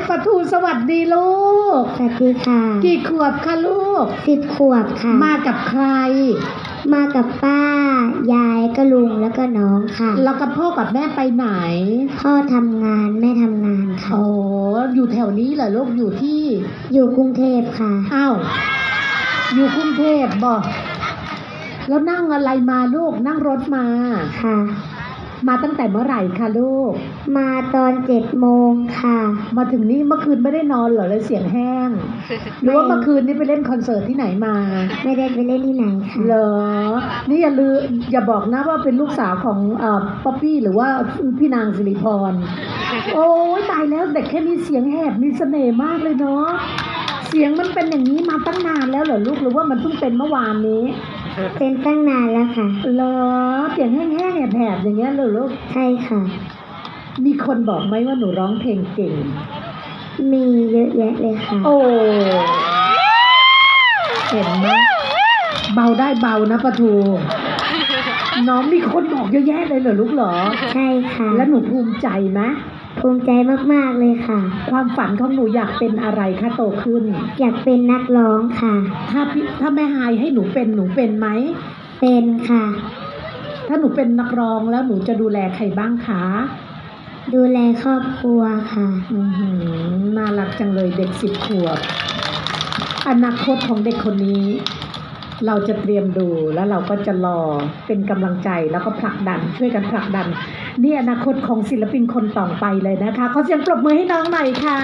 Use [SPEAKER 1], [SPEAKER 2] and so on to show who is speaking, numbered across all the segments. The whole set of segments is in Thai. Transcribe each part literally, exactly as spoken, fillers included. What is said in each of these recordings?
[SPEAKER 1] ปะทูสวัสดีลูก
[SPEAKER 2] สวัสดีค่ะ
[SPEAKER 1] กี่ขวบคะลูก
[SPEAKER 2] สิบขวบค่ะ
[SPEAKER 1] มากับใคร
[SPEAKER 2] มากับป้ายายก็ลุงแล้วก็น้องค่ะ
[SPEAKER 1] แล้วกับพ่อกับแม่ไปไหน
[SPEAKER 2] พ่อทำงานแม่ทำงานค่ะ
[SPEAKER 1] โอ้อยู่แถวนี้เหรอลูกอยู่ที่
[SPEAKER 2] อยู่กรุงเทพค่ะ
[SPEAKER 1] อ้าวอยู่กรุงเทพบอกแล้วนั่งอะไรมาลูกนั่งรถมา
[SPEAKER 2] ค่ะ
[SPEAKER 1] มาตั้งแต่เมื่อไหร่คะลูก
[SPEAKER 2] มาตอนเจ็ดโมงค่ะ
[SPEAKER 1] มาถึงนี่เมื่อคืนไม่ได้นอนเหรอเลยเสียงแห้งหรือว่าเมื่อคืนนี้ไปเล่นคอนเสิร์ตที่ไหนมา
[SPEAKER 2] ไม่ได้ไปเล่นที่ไหนค่ะ
[SPEAKER 1] เหรอนี่อย่าลืมอย่าบอกนะว่าเป็นลูกสาวของเอ่อป๊อปปี้หรือว่าพี่นางสิริพรโอ้ยตายแล้วเด็กแค่นี้เสียงแหบมีเสน่ห์มากเลยเนาะเสียงมันเป็นอย่างนี้มาตั้งนานแล้วเหรอลูกหรือว่ามันเพิ่งเป็นเมื่อวานนี้
[SPEAKER 2] เป็นตั้งนานแล้วค่ะ
[SPEAKER 1] เหรอเสียงแห้งๆแผบๆอย่างเงี้ยเหรอลูก
[SPEAKER 2] ใช่ค่ะ
[SPEAKER 1] มีคนบอกไหมว่าหนูร้องเพลงเก่ง
[SPEAKER 2] มีเยอะแยะเลยค่ะ
[SPEAKER 1] โอ้เห็นไหมเบาได้เบานะปะทูน้องมีคนบอกเยอะแยะเลยเหรอลูกเหรอ
[SPEAKER 2] ใช่ค่ะ
[SPEAKER 1] แล้วหนูภูมิใจไหม
[SPEAKER 2] ภูมิใจมากๆเลยค่ะ
[SPEAKER 1] ความฝันของหนูอยากเป็นอะไรคะโตขึ้น
[SPEAKER 2] อยากเป็นนักร้องค่ะ
[SPEAKER 1] ถ้าถ้าแม่ฮายให้หนูเป็นหนูเป็นไหม
[SPEAKER 2] เป็นค่ะ
[SPEAKER 1] ถ้าหนูเป็นนักร้องแล้วหนูจะดูแลใครบ้างคะ
[SPEAKER 2] ดูแลครอบครัวค่ะ
[SPEAKER 1] อือหือน่ารักจังเลยเด็กสิบขวบอนาคตของเด็กคนนี้เราจะเตรียมดูแล้วเราก็จะรอเป็นกำลังใจแล้วก็ผลักดันช่วยกันผลักดันนี่อนาคตของศิลปินคนต่อไปเลยนะคะขอเสียงปรบมือให้น้องหน่อยค่ะ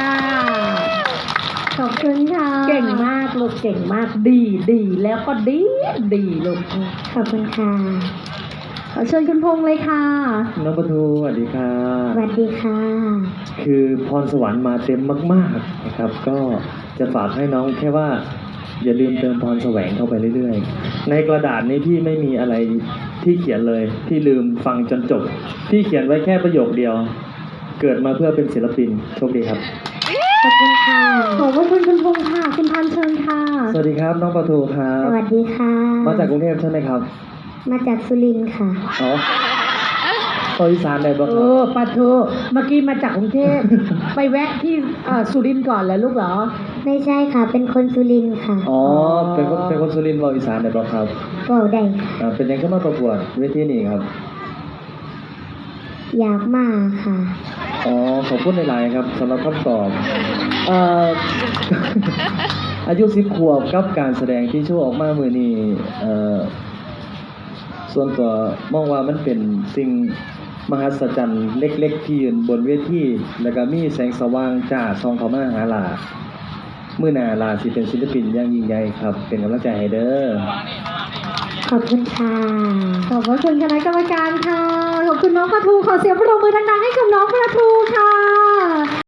[SPEAKER 2] ขอบคุณค่ะ
[SPEAKER 1] เก่งมากลูกเก่งมากดีดีแล้วก็ดีดีลูก
[SPEAKER 2] ขอบคุณค่ะ
[SPEAKER 1] ขอเชิญคุณพงษ์เลยค่ะ
[SPEAKER 3] น้องปะทูสวัสดีค่ะ
[SPEAKER 2] สวัสดีค่ะ
[SPEAKER 3] คือพรสวรรค์มาเต็มมากๆนะครับก็จะฝากให้น้องแค่ว่าอย่าลืมเติมพรแสวงเข้าไปเรื่อยๆในกระดาษนี้พี่ไม่มีอะไรที่เขียนเลยพี่ลืมฟังจนจบพี่เขียนไว้แค่ประโยคเดียวเกิดมาเพื่อเป็นศิลปินโชคดีครับ
[SPEAKER 2] ขอบคุณค่ะ
[SPEAKER 1] ขอบคุณคุณพงษ์ค่ะคุณพันเชิญค่ะ
[SPEAKER 3] สวัสดีครับน้องปะทูครับ
[SPEAKER 2] สวัสดีค่ะ
[SPEAKER 3] มาจากกรุงเทพใช่ไหมครับ
[SPEAKER 2] มาจากสุรินทร์ค่ะ
[SPEAKER 3] อ๋อภาคอีสานได้บ่ครับ
[SPEAKER 1] เออปะทูเมื่อกี้มาจากกรุงเทพไปแวะที่สุรินทร์ก่อนเหรอลูกเหรอ
[SPEAKER 2] ไม่ใช่ค่ะเป็นคนสุรินทร์ค่ะ
[SPEAKER 3] อ๋อเป็นคนเป็นคนสุรินทร์ภาคอีสานได้บ่ครับ
[SPEAKER 2] ก็ได้
[SPEAKER 3] อ่าเป็นยังไงมาประกวดเวทีนี้ครับ
[SPEAKER 2] อยากมาค่ะ
[SPEAKER 3] อ๋อขอบคุณหลายๆครับสำหรับคำตอบเอ่อ อายุสิบขวบกับการแสดงที่โชว์ออกมามื้อนี้เอ่อส่วนตัวมองว่ามันเป็นสิ่งมหัศจรรย์เล็กๆที่ยืนบนเวทีแล้วก็มีแสงสว่างจ้าส่องเข้ามาหาหลามื้อหน้าหลาสิเป็นศิลปินอย่างยิ่งใหญ่ครับเป็นกำลังใจให้เด้อ
[SPEAKER 2] ขอบคุณค่ะ
[SPEAKER 1] ขอบคุณคณะกรรมการค่ะขอบคุณน้องปะทูขอเสียงปรบมือดังๆให้กับน้องปะทูค่ะ